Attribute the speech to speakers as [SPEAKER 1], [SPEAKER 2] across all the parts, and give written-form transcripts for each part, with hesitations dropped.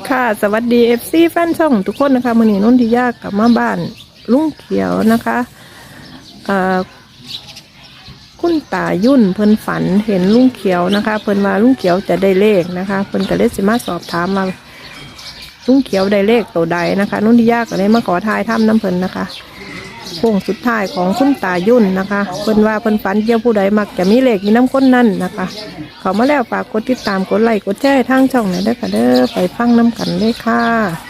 [SPEAKER 1] ค่ะสวัสดีFC แฟนช่องทุกคนนะคะมื้อนี้นนทิยากลับมาบ้านลุงเขียวนะคะคุณตายุ่นเพิ่นฝันเห็นลุงเขียวนะคะเพิ่นว่าลุงเขียวจะได้เลขนะคะเพิ่นก็เลยสิมาสอบถามมาลุงเขียวได้เลขตัวใดนะคะนนทิยาก็เลยมาขอทายถ้ำน้ำเพิ่นนะคะโค้งสุดท้ายของคุณตายุ่นนะคะเพิ่นว่าเพิ่นฝันเกี่ยวผู้ใดมักจะมีเลขมีน้ำก้นนั่นนะคะเขามาแล้วฝากกดติดตามกดไลค์กดแชร์ทางช่องหน่อยเด้อค่ะเด้อไปฟังน้ำกันเลยค่ะ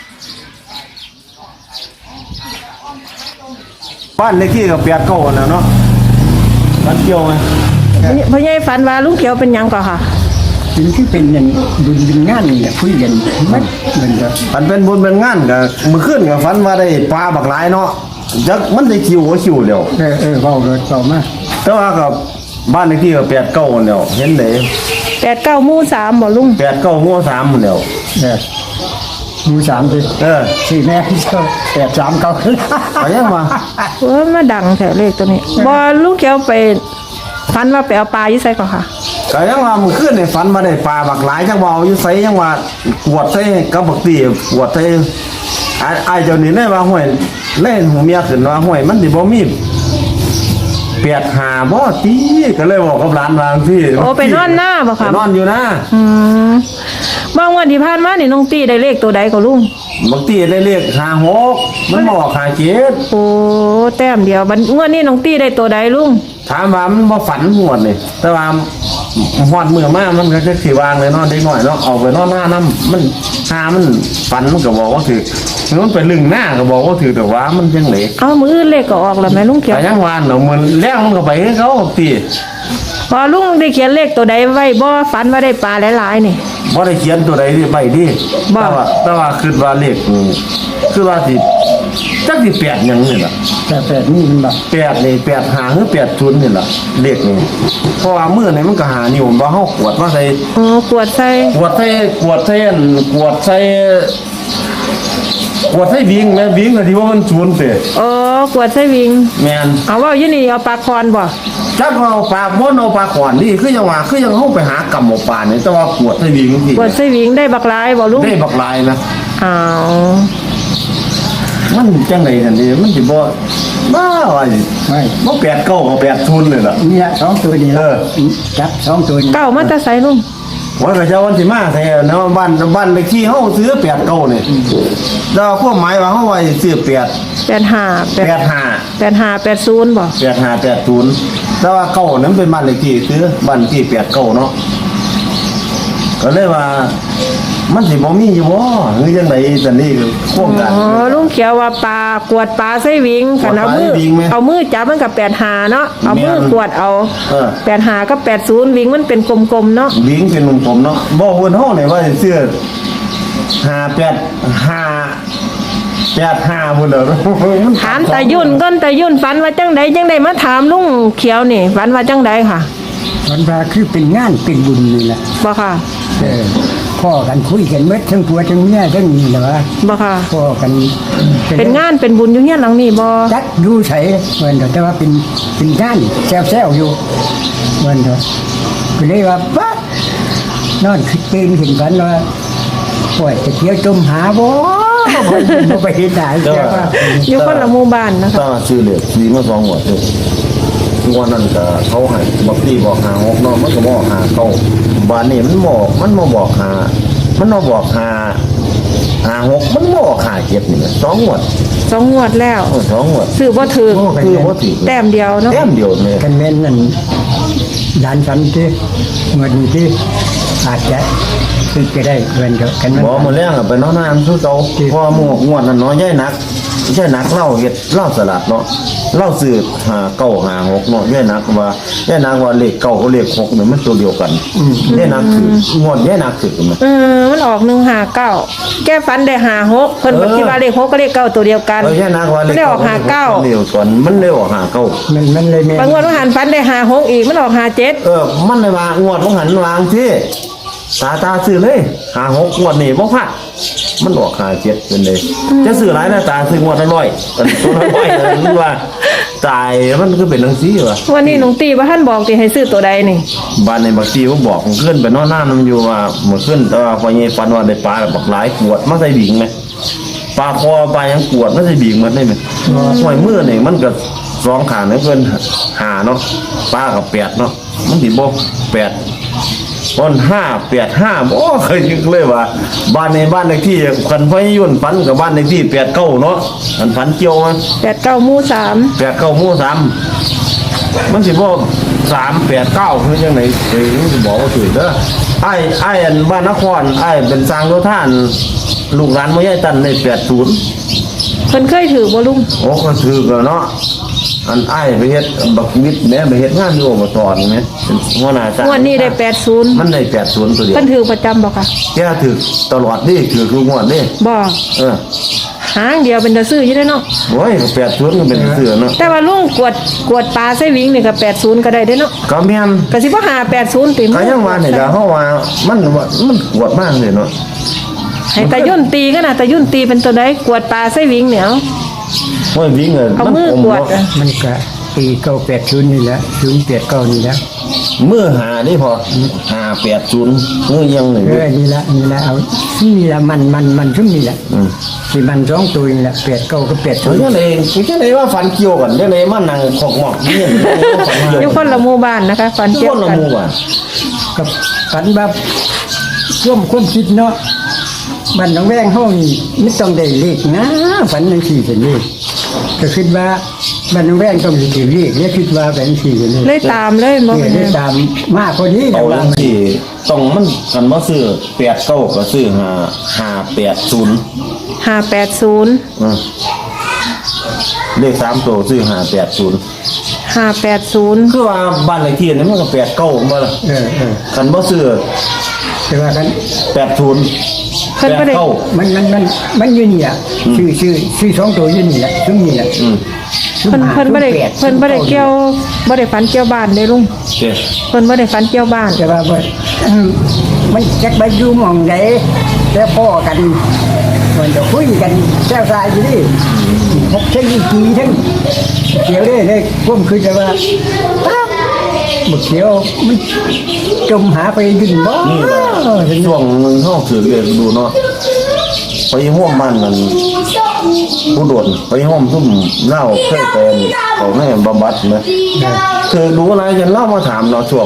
[SPEAKER 2] บ้านเลขที่กับ89นะเนาะบ้านเกี่ยวไหม
[SPEAKER 1] พ่อใหญ่ฝันว่าลุงเขียวเป็นหยังก่อนค่ะ
[SPEAKER 3] สิ่งที่เป็นอย่างบุญงานเนี่ยคุยกันมันเหมือนกับ
[SPEAKER 2] มันเป็นบุญเป็นงานกับมือขึ้นกับฝันว่าได้ปลาบักหลายเนาะจักมันได้คิวหัวคิวเดียว
[SPEAKER 3] เบาเลยเบามาก
[SPEAKER 2] แต่ว่ากับบ้านเลขที่กับ89เดียวเห็นได้
[SPEAKER 1] 89 หมู่ 3บ่ลุง
[SPEAKER 2] 89 หมู่ 3เดียว
[SPEAKER 3] หมู่ 3ดิสี่แม่ก็83 9
[SPEAKER 2] ไปยังมา
[SPEAKER 1] มาดังแถวเลขตัวนี้บ่ลุงเขียวไปฝันว่าไปเอาปลาอยู่ไสก่อนค่ะ
[SPEAKER 2] ก็ยังว่ามือขึ้นในฝันว่าได้ปลาบักหลายจังว่าอยู่ไสยังว่ากวดใส่กับบักตีกวดใส่ไอ้เจ้านี่ได้ว่าห้วยเล่นหูเมียขึ้นว่าห้วยมันสิบ่มี85บ่ตีก็เลยบอกกับหลานว่าพี่
[SPEAKER 1] โอ้ไปนอนหน้าบ่ค่ะ
[SPEAKER 2] นอนอยู่นะ
[SPEAKER 1] บางวันที่ผ่านมานี่น้องตีได้เลขตัวใดก็ลุง
[SPEAKER 2] บางทีได้เลข56มันบอก57
[SPEAKER 1] โอ้แต้มเดียวบัดงวดนี้น้องตีได้ตัวใดลุง
[SPEAKER 2] ถามว่ามันบ่ฝันหวดนี่แต่ว่าฮอดมื้อมามันก็จะสิวางเลยเนาะเด็กน้อยเนาะเอาไปนอนหน้านำมันหามันฝันมันก็บอกว่าถือมันไปลึงหน้าก็บอกว่าถือแต่ว่ามันจังได๋
[SPEAKER 1] เอามื้ออื่นเลขก็ออกแล้วแม่ลุงเขียว
[SPEAKER 2] ก็ยังว่าเนาะมันแล้วมันก็ไปให้เขาติ
[SPEAKER 1] พอลุงได้เขียนเลขตัวใดไว้บ่ฝันว่าได้ปลาหลายๆนี่
[SPEAKER 2] บ่ได้เขียนตัวใดที่ไปดิแต่ว่าคิดว่าเลขคือว่าสิจักสิ8หยังนี่ล่ะ
[SPEAKER 3] 8นี่มันบ่
[SPEAKER 2] 8นี่85หรือ80นี่ล่ะเลขนี่เพราะว่ามื้อนี้มันก็หานิ้วบ่เฮากวดมาใส่
[SPEAKER 1] กวดใส่
[SPEAKER 2] วิ่งแม่วิ่งก็ที่ว่ามัน0เตะ
[SPEAKER 1] กวดใส่วิ่ง
[SPEAKER 2] แม่น
[SPEAKER 1] เอาว่าอยู่นี่เอาปลาคอนบ่
[SPEAKER 2] จักเอาปลาบ่เอาปลาขอนนี่คือยังว่าคือยังเฮาไปหากำหมอปลานี่แต่ว่ากวดใส่วิ่ง
[SPEAKER 1] ที่กวดใส่วิ่งได้บักหลายบ่ลุง
[SPEAKER 2] ได้บักหลายนะ
[SPEAKER 1] มัน
[SPEAKER 2] จังได๋นั่นดิมันสิบ่บ้าว่า
[SPEAKER 3] ไม่
[SPEAKER 2] บ่89ก็80เลยล่ะ
[SPEAKER 3] เนี่ย2ตัวนี่จับ2ตัว
[SPEAKER 1] เก้ามาแต่ไสลุง
[SPEAKER 2] ว่าก็เจ้าวันสิมาใส่เนาะบ้านเลขที่เฮาซื้อ89นี่แล้วความหมายว่าเฮาว่าสิซื้อ
[SPEAKER 1] 85 80บ่
[SPEAKER 2] 8580แต่ว่า9นั้นเป็นบ้านเลขที่ซื้อบ้านที่89เนาะก็เลยว่ามันสิบ่มีอยู่บ่หรือจังได๋จังนี้คือโครงการ
[SPEAKER 1] ลุงเขียวว่าปลากวดปลาใส่วิ่งคันเอามือจับมันก็85เนาะเอามือกวดเอา85กับ80วิ่งมันเป็นกลมๆเนาะ
[SPEAKER 2] วิ่งเป็นกลมๆเนาะบ่เพิ่นเฮานี่ว่าสิซื้อ85พุ่นเด้อ
[SPEAKER 1] ถามตายุ่นก่อนตายุ่นฝันว่าจังไดมาถามลุงเขียวนี่ฝันว่าจังไดค่ะ
[SPEAKER 3] ฝันว่าคือเป็นงานเป็นบุญนี่แหละ
[SPEAKER 1] บ่ค่ะ
[SPEAKER 3] พ่อกันคุยกันเมื่อทั้งผัวทั้งเมียทั้งนี่เหรอ
[SPEAKER 1] บ่ค่ะ
[SPEAKER 3] พ่อกัน
[SPEAKER 1] เป็นงานเป็นบุญอยู่เฮียนหลังนี้บ่
[SPEAKER 3] จัดดูใส่เหมือนแต่ว่าเป็นงานแซวอยู่เหมือนเถอะก็เลยว่าปั๊บนอนคิดตื่นขึ้นกันว่าโอ้ยจะเที่ยวจมหาบ่ไปเห็นได้
[SPEAKER 1] อยู่คนละหมู่บ้านนะคะ
[SPEAKER 2] ตั้งชื่อเลยสีมา2หัวเลยวันนั้นก็เขาให้บักตีบอกหา6เนาะมันก็บอกหาเก้าบ้านนี้มันมาบอกหามันมาบอกหา6มันบอกหา7นี่2งวด
[SPEAKER 1] แล้ว
[SPEAKER 2] 2งวด
[SPEAKER 1] ซื้อบ่ถูกแต้มเดียวเนาะ
[SPEAKER 2] แต้มเดียวนี่
[SPEAKER 3] กันแม่นนั่นด้านฉันที่เงินที่อาจจะคือจะได้เงินกัน
[SPEAKER 2] บ่มื้อแรงไปนอนน้ำซุเจ้าพอหมู่งวดนั้นน้อยใหญ่นักใช่นักเล่าเฮ็ดเล่าสลัดเนาะเล่าสืบ5 9 5 6เนาะใหญ่นักว่าเลข9กับเลข6นี่มันตัวเดียวกันใหญ่นักคืองวดใหญ่นักคือ
[SPEAKER 1] มันออก159แก้ฝันได้56เพิ่นบ่คิดว่าเลข6กับเลข9ตัวเดียวกัน
[SPEAKER 2] ใหญ่นักว่าเลข
[SPEAKER 1] ออก59
[SPEAKER 2] เดียวกันมันเลยออก59
[SPEAKER 3] มันเลยแม่
[SPEAKER 1] บางงวดว่าหันฝันได้56อีกมันออก57
[SPEAKER 2] มันเลยว่างวดของหันวางที่ตาซื้อเลย56งวดนี่บ่พลาดมันออก57เป็นเลยจะซื้อหลายนะตาซื้องวดละ100ตัวละ100นึกว่าตายมันก็เป็นจังซี่ว่ะ
[SPEAKER 1] วันนี้น้องตีว่าท่านบอกสิให้ซื้อตัวใดนี่
[SPEAKER 2] บ้านในบักตีเขาบอกผมขึ้นไปนอนหน้ามันอยู่ว่าเมื่อขึ้นแต่ว่าพอเงี้ยฟันว่าได้ปลาบักหลายขวดมันใส่บิงไหมปลาคอปลายังขวดมันใส่บิงมันได้ไหมห้อยมือนี่มันก็สองขาเนี่ยเพิ่นหาเนาะปลากับ8เนาะมันสิบ่8ต้น585บ่เคยคิดเลยว่าบ้านในบ้านเลขที่คันพอยยุ่นฝันกับบ้านเลขที่89เนาะมันฝันเกี่ยวมัน
[SPEAKER 1] 89หมู่3
[SPEAKER 2] 89หมู่3มันสิบ่389คือจังได๋เอ้ยมันสิบอกว่าถูกเด้อไอ้อันบ้านนครไอ้เป็นสร้างโยธานลูกหลานบ่ยายตันได้80
[SPEAKER 1] เพิ่นเคยถือบ่ลุง
[SPEAKER 2] โอ้ก็ถือกันเนาะอันไอ้ไปเฮ็ดบักวิทย์แม่ไปเฮ็ดงานอยู่อบตนี่แม่เป็นหัวหน้าจ้าง
[SPEAKER 1] งวดนี้ได้80
[SPEAKER 2] มันได้80ตัวเดียว
[SPEAKER 1] เพิ่นถือประจำบ่คะ
[SPEAKER 2] แกถือตลอดนี่ถือทุกงวดนี่
[SPEAKER 1] บ่ หางเดียวเป็นตาซื้ออยู่ได้เนาะ
[SPEAKER 2] โอ้ย80ก็เป็นเสือเนาะ
[SPEAKER 1] แต่ว่าลุงกวดปลาใส่วิ่งนี่ก็80ก็ได้เด้เนาะ
[SPEAKER 2] ก็แม่น
[SPEAKER 1] ก็สิบ่หา80ติ
[SPEAKER 2] ก็ยังว่านี่ล่ะเฮาว่ามันปวดมากเลยเนาะ
[SPEAKER 1] ให้ตายุ่นตีกันน่ะตายุ่นตีเป็นตัวใดกวดปลาใส่วิ่งเนี่ยเอา
[SPEAKER 2] โอ้ยวิ่ง
[SPEAKER 1] เอามือกวดอะ
[SPEAKER 3] มันก็ปี980นี่แหละ089นี่แหละ
[SPEAKER 2] มือหานี่พอ580มือยังนี่
[SPEAKER 3] นี่ละเอานี่ละมันซึ่งนี่แหละ
[SPEAKER 2] อืม
[SPEAKER 3] สิมัน2ตัวนี่แหละ89ก็
[SPEAKER 2] จัง
[SPEAKER 3] 80
[SPEAKER 2] ได๋จังได๋ว่าฝันเกี่ยวกันจังได๋มานั่งขอกหมอกนี่ฝันเกี่ยว
[SPEAKER 1] อยู่คนละหมู่บ้านนะคะฝัน
[SPEAKER 2] ทุก
[SPEAKER 1] เกี่ย
[SPEAKER 2] คว นละ
[SPEAKER 1] กัน
[SPEAKER 2] หมู่อ่ะ
[SPEAKER 3] กับฝันแบบความคิดเนาะบ้านหนองแวงเฮานี่ไม่ต้องได้เลขนะฝันจังซี่เป็นเลขก็คิดว่าบ้านหนองแวงต้องสิถือเลขแล้วคิดว่าเป็นสี่เป็นเลข
[SPEAKER 1] เลยตามเลยบ่
[SPEAKER 3] เนี่ย
[SPEAKER 1] เป็น
[SPEAKER 3] ได้
[SPEAKER 1] ไง
[SPEAKER 3] ตามมาพอดี
[SPEAKER 2] เอา
[SPEAKER 3] ว่า
[SPEAKER 2] จังซี่ต้องมันกันบ่ซื้อ89ก็ซื้อ580
[SPEAKER 1] 580
[SPEAKER 2] เลข3ตัวซื้อ580
[SPEAKER 1] 580
[SPEAKER 2] คือว่าบ้านเลขที่นี่มันก็89บ่ล่ะ กันบ่ซื้อ
[SPEAKER 3] แต่ว่ากัน
[SPEAKER 2] 80
[SPEAKER 1] เพิ่นบ่ได้
[SPEAKER 2] 89
[SPEAKER 3] มันอยู่นี่อ่ะชื่อสองตัวอยู่นี่แหละซึ่งนี่แหละ
[SPEAKER 2] อืม
[SPEAKER 1] เพิ่นบ่ได้เกี่ยวบ่ได้ฝันเกี่ยวบ้านเด้ลุง
[SPEAKER 2] โอเค
[SPEAKER 1] เพิ่นบ่ได้ฝันเกี่ยวบ้าน
[SPEAKER 3] แต่ว่ามันจักไปอยู่หม่องใดแล้วพ่อกันมันจะคุยกันแซ่บซ่าอยู่นี่พบเช่นกี่ทั้งเขียวได้ผมคือจะว่าบุกเขียวมันจมหาไปยืนบ่
[SPEAKER 2] นี่แหละช่วงนึงเฮาถือเลขดูเนาะไปห้วมบ้านมันผู้โดดไปห้วมซุ่มเล่าเคยเป็นเขาให้บำบัดนะคือดูอะไรจนเล่ามาถามเนาะช่วง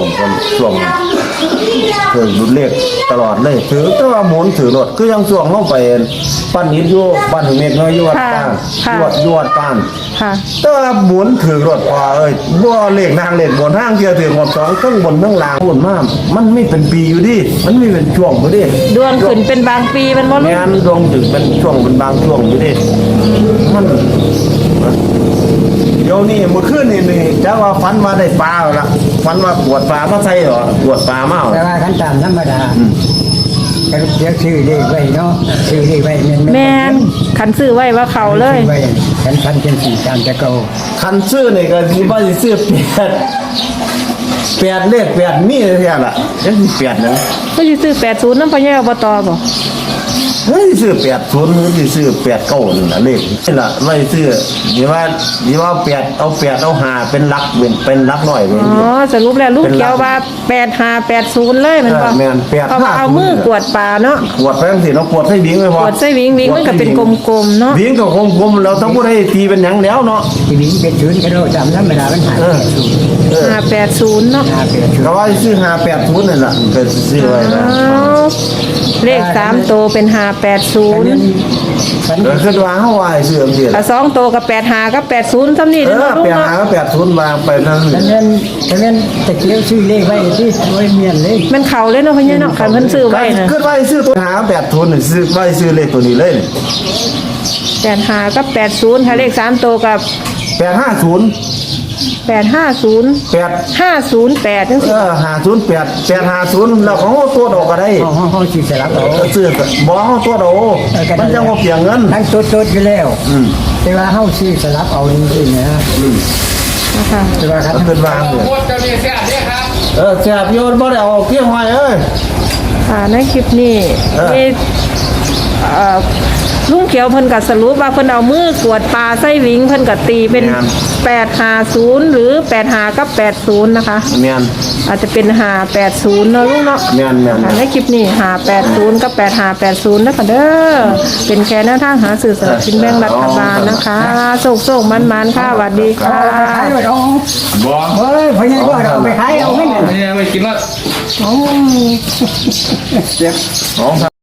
[SPEAKER 2] คือดูเลขตลอดเลยถือแต่ว่าหมุนถือรถคือยังช่วงเข้าไปปั้นหินอยู่ปั้นหินเม็ดน้อยอยู่วัดป้านอยู่วัดป้าน
[SPEAKER 1] ค่ะ
[SPEAKER 2] แต่ว่าหมุนถือรถพอบ่เลขนางเลขบนห้างเดียวถือหมด2ทั้งบนทั้งล่างพูดมากมันไม่เป็นปีอยู่ดิมันไม่เป็นช่วงอยู่ดิ
[SPEAKER 1] ดวงขึ้นเป็นบางปีมันบ่ลุง
[SPEAKER 2] งานดวงถึงเป็นช่วงเป็นบางช่วงอยู่ดิมันเดี๋ยวนี้เมื่อคืนนี่จะว่าฝันว่าได้ปลาแล้วล่ะฝันว่าปวดปลามาใส่เหรอปวดปลามาเหรอ
[SPEAKER 3] แต่ว่าขั้นตามธรรมดาก็เดี๋ยวชื่อเลขไว้เนาะชื่อเลขไว้
[SPEAKER 1] แม่นคันซื้อไว้ว่าเขาเลย
[SPEAKER 3] ไว้ฉันพันเป็นสี่ตามจะเก่า
[SPEAKER 2] คันซื้อนี่ก็สิว่าสิซื้อแปดเลข8มีเลยแท้ล่ะจังสิ8นึง
[SPEAKER 1] ก็สิซื้อ80นำพ่อใหญ่อบตบ่
[SPEAKER 2] เฮ้ยซื้อ80หรือสิซื้อ89นั่นน่ะเลขนี่ล่ะไว้ซื้อนี่ว่า8เอา8เอา5เป็นหลักเป็นหลักน้อยเป็น
[SPEAKER 1] อ๋อสรุปแล้วลุงเกี่ยวว่า8580เลยมันบ่
[SPEAKER 2] แม่น85
[SPEAKER 1] เพราะว่าเอามือกวดปลาเนาะ
[SPEAKER 2] ปวดไปจังซี่เนาะปวดให้วิ่งไว้พอก
[SPEAKER 1] วดใส่วิ่งมันก็เป็นกลมๆเนาะ
[SPEAKER 2] วิ่งก็กลมๆแล้วทั้งบ่ได้ตีเป็นหยังแล้วเนาะ
[SPEAKER 3] ทีนี้เป็นศูนย์ก็เราจำธรรมดามันหายไปศูนย์
[SPEAKER 1] 580เนาะ
[SPEAKER 3] เป็นศูน
[SPEAKER 2] ก็
[SPEAKER 3] ย์
[SPEAKER 2] ว่าซื้อ580นั่นล่ะก็ซื้อไว้นะ
[SPEAKER 1] อ้าวเลข3ตัวเป็น580
[SPEAKER 3] ฝัน
[SPEAKER 2] ก็คิดว่าเฮาว่าให้ซื้อจังซี่
[SPEAKER 1] ถ้า2ตัวก็85กับ80ซ้ำนี่
[SPEAKER 2] เอ
[SPEAKER 1] เด้อ
[SPEAKER 2] อ
[SPEAKER 1] ลุง
[SPEAKER 2] ไป
[SPEAKER 1] เนาะ
[SPEAKER 2] หาก็80วางไปนั่น
[SPEAKER 3] ฉะนั้นตะเกียวซื้อเลขไว้ที่โอ้ยเมียนเลย
[SPEAKER 1] มันเข้าเลยเนาะพ่อใหญ่เนาะคันเพิ่นซื้อไว้น่ะ
[SPEAKER 2] คิดว่าให้ซื้อตัวหา80นี่ซื้อไว้ซื้อเลขตัวนี้เลย
[SPEAKER 1] 85กับ80ถ้าเลข3ตัวกับ
[SPEAKER 2] 850
[SPEAKER 1] 850
[SPEAKER 2] 8
[SPEAKER 1] 508จังซี่
[SPEAKER 2] 508 850แล้วของเอาตัวดอกก็ได้
[SPEAKER 3] ห้องสิสลับเอา
[SPEAKER 2] ซื้อบ่เอาตัวดอกมันจังว่าเปลียงเงิน
[SPEAKER 3] ทั้งตัวอยู่แล้วแต่ว่าเฮาซื้อสลับเอาจริงๆนะ
[SPEAKER 1] นะคะ
[SPEAKER 3] แต่ว่าครับ
[SPEAKER 2] ขึ้นวางเลยแซ่บโยนบ่ได้เอาเพียงหอยเอ้ย
[SPEAKER 1] ในคลิปนี้
[SPEAKER 2] เออ
[SPEAKER 1] มีลุงเขียวเพิ่นก็สรุปว่าเพิ่นเอามือกวดปลาไส้หลิงเพิ่นก็ตีเป็น850หรือ85กับ80นะคะ
[SPEAKER 2] แม่น
[SPEAKER 1] อาจจะเป็น580เนาะลุงเนาะ
[SPEAKER 2] แม่น
[SPEAKER 1] ค่ะในคลิปนี้580กับ8580นะคะเด้อเป็นแค่หน้าทางหาสื่อสลากกินแบ่งรัฐบาลนะคะโศกๆมันๆค่ะสวัสดีค่ะ
[SPEAKER 3] ขายไว้เอา
[SPEAKER 4] บ่
[SPEAKER 3] เฮ้ยพญาก็เอาไปขายเอาไม่เนี่ย
[SPEAKER 4] ไม่กินละ
[SPEAKER 3] โอ้
[SPEAKER 2] อ๋อ